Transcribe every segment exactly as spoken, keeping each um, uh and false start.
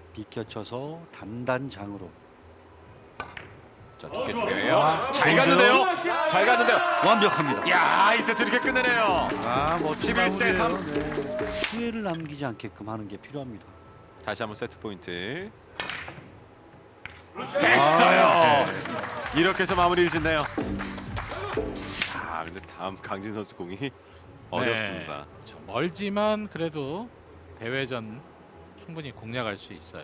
비켜쳐서 단단장으로. 자, 두 개 중요해요. 아, 잘 좋은데요? 갔는데요. 잘 갔는데요. 완벽합니다. 야, 이 세트 이렇게 끝내네요. 아, 멋진 십일 대 삼. 마무리예요. 네. 피해를 남기지 않게끔 하는 게 필요합니다. 다시 한번 세트 포인트. 됐어요. 아, 이렇게 해서 마무리를 짓네요. 아, 근데 다음 강진 선수 공이 어렵습니다. 저 멀지만 그래도 대회전 충분히 공략할 수 있어요.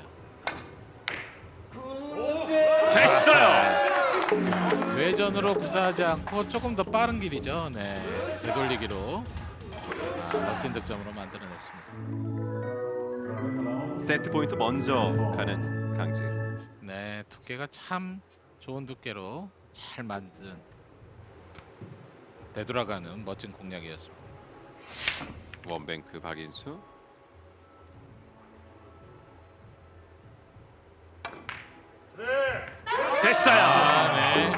됐어요. 대회전으로 구사하지 않고 조금 더 빠른 길이죠. 네, 되돌리기로 아, 멋진 득점으로 만들어냈습니다. 세트 포인트 먼저 가는 강진. 네, 두께가 참 좋은 두께로 잘 만든 되돌아가는 멋진 공략이었습니다. 원뱅크 박인수. 됐어요. 아, 네.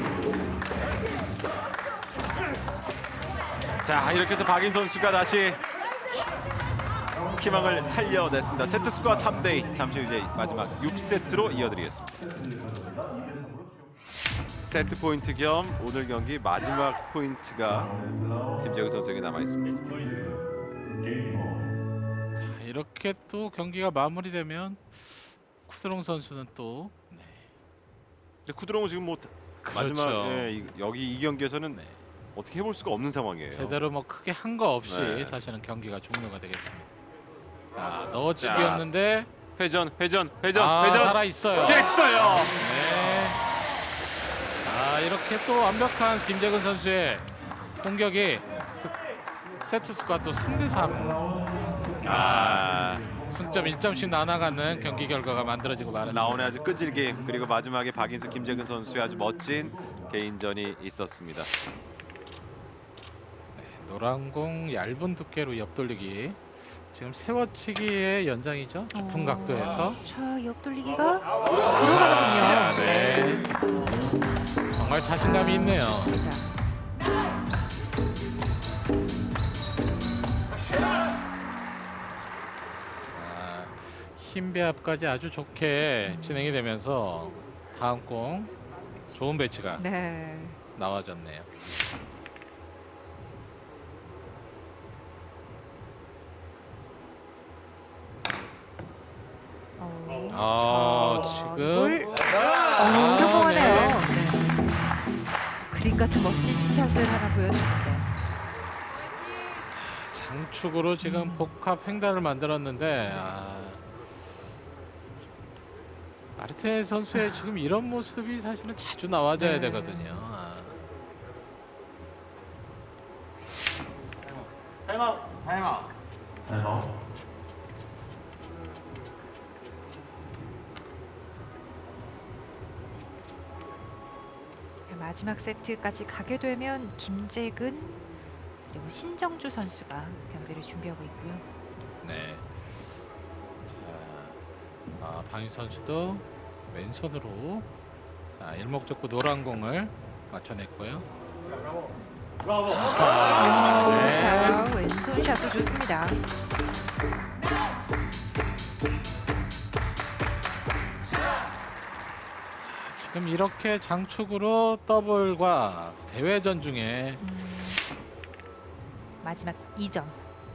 자, 이렇게 해서 박인 선수가 다시 희망을 살려냈습니다. 세트 스코어 삼 대 이. 잠시 후 이제 마지막 육 세트로 이어드리겠습니다. 세트 포인트 겸 오늘 경기 마지막 포인트가 김재우 선수에게 남아 있습니다. 자, 이렇게 또 경기가 마무리되면 쿠드롱 선수는 또 네. 이제 쿠드롱은 지금 뭐 그렇죠. 마지막 예, 이- 여기 이 경기에서는 네. 어떻게 해볼 수가 없는 상황이에요. 제대로 뭐 크게 한 거 없이 네. 사실은 경기가 종료가 되겠습니다. 아, 넣어치기였는데 회전, 회전, 회전, 아, 회전. 살아 있어요. 됐어요. 네. 아, 이렇게 또 완벽한 김재근 선수의 공격이 또 세트 스코어 또 삼 대 삼. 아, 승점 일 점씩 나눠가는 경기 결과가 만들어지고 말았습니다. 나오네 아주 끈질김. 그리고 마지막에 박인수, 김재근 선수의 아주 멋진 개인전이 있었습니다. 노란 공 얇은 두께로 옆돌리기. 지금 세워치기의 연장이죠. 높은 어, 각도에서. 자, 옆돌리기가 들어가는군요. 아, 네. 정말 자신감이 있네요. 좋습니다. 아, 힘 배합까지 아주 좋게 진행이 되면서 다음 공 좋은 배치가 네. 나와졌네요. 어, 아, 자, 지금 볼. 어, 성공하네요. 네. 그림 같은 멋진 샷을 하나 보여줍니다. 장축으로 지금 복합 횡단을 만들었는데 아, 마르테 선수의 지금 이런 모습이 사실은 자주 나와줘야 네. 되거든요. 아. 마지막 세트까지 가게 되면 김재근 그리고 신정주 선수가 경기를 준비하고 있고요. 네. 자, 아, 방희 선수도 왼손으로 자, 일목적구 노란 공을 맞춰냈고요. 아, 어, 네. 자, 왼손 샷도 좋습니다. 지금 이렇게 장축으로 더블과 대회전 중에 음, 마지막 이 점.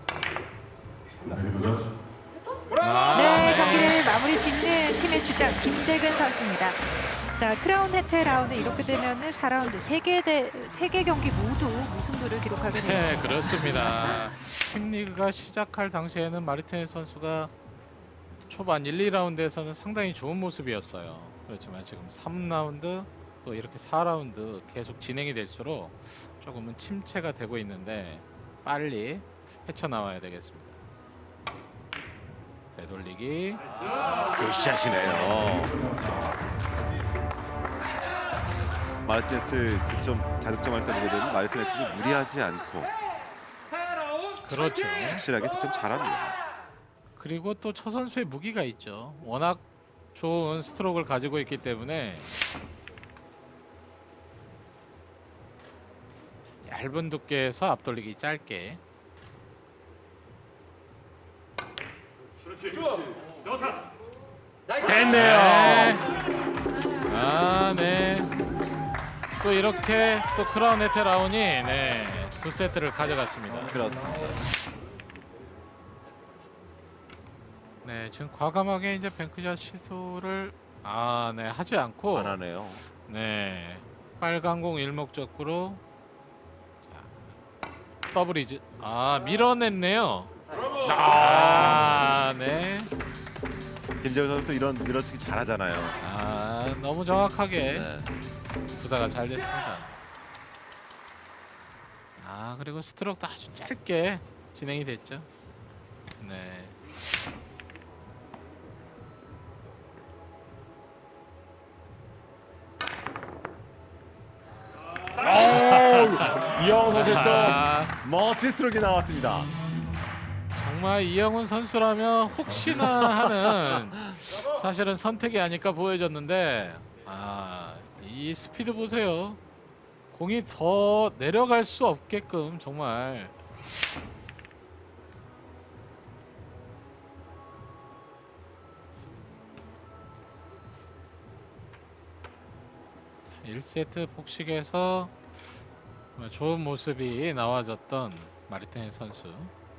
아, 네, 경기를 마무리 짓는 팀의 주장 김재근 선수입니다. 자, 크라운 혜태 라운드 이렇게 되면은 사 라운드 세 개 대 세 개 경기 모두 무승부를 기록하게 네, 되었습니다. 그렇습니다. 킹리그가 시작할 당시에는 마르티네 선수가 초반 일, 이 라운드에서는 상당히 좋은 모습이었어요. 그렇지만 지금 삼 라운드 또 이렇게 사 라운드 계속 진행이 될수록 조금은 침체가 되고 있는데 빨리 헤쳐나와야 되겠습니다. 되돌리기. 굿샷이네요. 마르티네스 득점 다득점할 때 보게 되면 마르티네스도 무리하지 않고 그렇죠. 확실하게 득점 잘합니다. 그리고 또 저 선수의 무기가 있죠. 워낙 좋은 스트로크를 가지고 있기 때문에 얇은 두께에서 앞돌리기 짧게. 됐네요. 아, 네. 또 이렇게 또 크라운 혜태 라운이 네, 두 세트를 가져갔습니다. 그렇습니다. 네, 지금 과감하게 이제 뱅크샷 시도를 아, 네, 하지 않고 안 하네요. 네, 빨간 공 일목적구로 자, 더블이즈 아 밀어냈네요. 아, 네, 김재훈 선수도 이런 밀어치기 잘하잖아요. 아 너무 정확하게 네. 구사가 잘 됐습니다. 아 그리고 스트로크도 아주 짧게 진행이 됐죠. 네. 이영훈 선수의 아, 또 멋진 스트로크 나왔습니다. 정말 이영훈 선수라면 혹시나 하는 사실은 선택이 아닐까 보여졌는데 아, 이 스피드 보세요. 공이 더 내려갈 수 없게끔 정말 일 세트 복식에서 좋은 모습이 나와졌던 마르티네스 선수.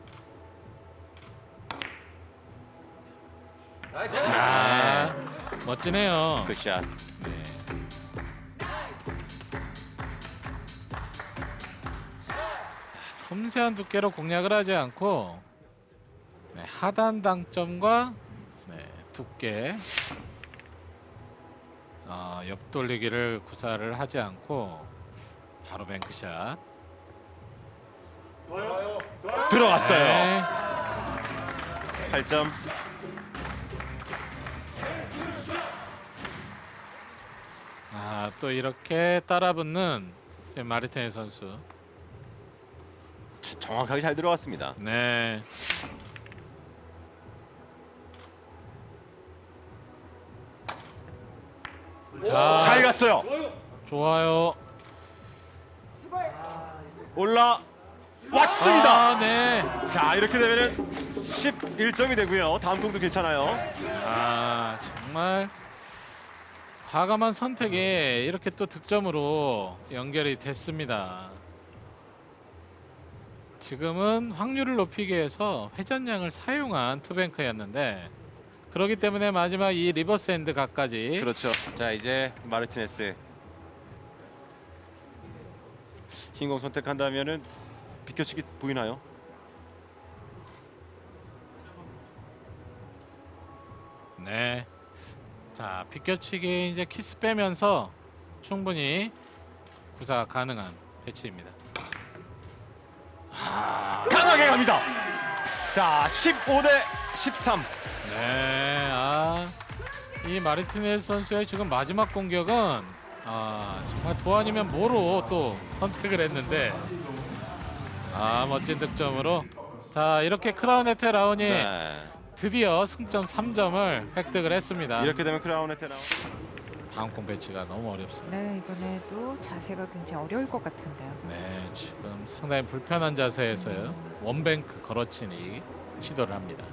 아, 멋지네요. 굿샷. 네. 섬세한 두께로 공략을 하지 않고 네, 하단 당점과 네, 두께 어, 옆돌리기를 구사를 하지 않고 바로 뱅크샷 들어갔어요. 네. 팔 점. 아, 또 이렇게 따라붙는 마르티네스 선수. 정확하게 잘 들어갔습니다. 네. 자, 잘 갔어요. 좋아요. 올라 왔습니다. 아, 네. 자, 이렇게 되면은 십일 점이 되고요. 다음 공도 괜찮아요. 아, 정말 과감한 선택이 이렇게 또 득점으로 연결이 됐습니다. 지금은 확률을 높이기 위해서 회전량을 사용한 투뱅크였는데 그렇기 때문에 마지막 이 리버스 핸드 각까지 그렇죠. 자, 이제 마르티네스 흰공 선택한다면은 비켜치기 보이나요? 네. 자, 비껴치기 이제 키스 빼면서 충분히 구사 가능한 배치입니다. 아, 강하게 갑니다. 자, 십오 대 십삼. 네. 아, 이 마르티네스 선수의 지금 마지막 공격은 아, 정말 도안이면 뭐로 또 선택을 했는데 아, 멋진 득점으로 자, 이렇게 크라운 혜태 라운이 네. 드디어 승점 삼 점을 획득을 했습니다. 이렇게 되면 크라운 혜태 나온. 다음 공 배치가 너무 어렵습니다. 네, 이번에도 자세가 굉장히 어려울 것 같은데요. 네, 지금 상당히 불편한 자세에서요. 원뱅크 걸어치기 시도를 합니다.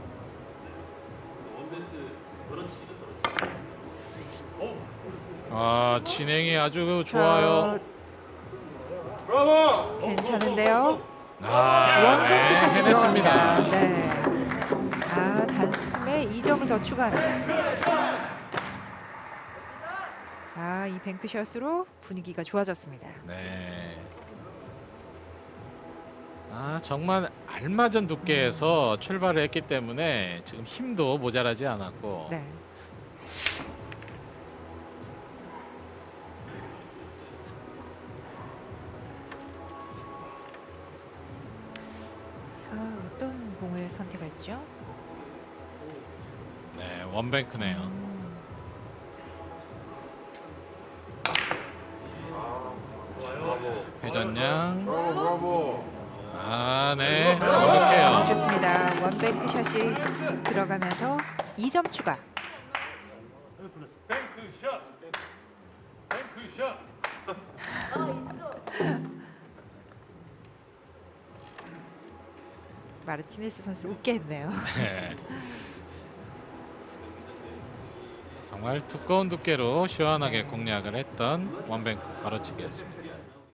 아, 진행이 아주 좋아요. 자, 괜찮은데요? 아, 원뱅크 네, 샷이 해냈습니다. 들어갑니다. 네. 아, 단숨에 이 점을 더 추가합니다. 아, 이 뱅크샷으로 분위기가 좋아졌습니다. 네. 아, 정말 알맞은 두께에서 출발을 했기 때문에 지금 힘도 모자라지 않았고 네. 아, 어떤 공을 선택할죠? 네, 원뱅크네요. 음, 회전량. 아, 네. 완벽해요. 좋습니다. 원뱅크 샷이 들어가면서 이 점 추가. 마르티네스 선수를 웃게 했네요. 네. 정말 두꺼운 두께로 시원하게 공략을 했던 원뱅크 걸어치기였습니다.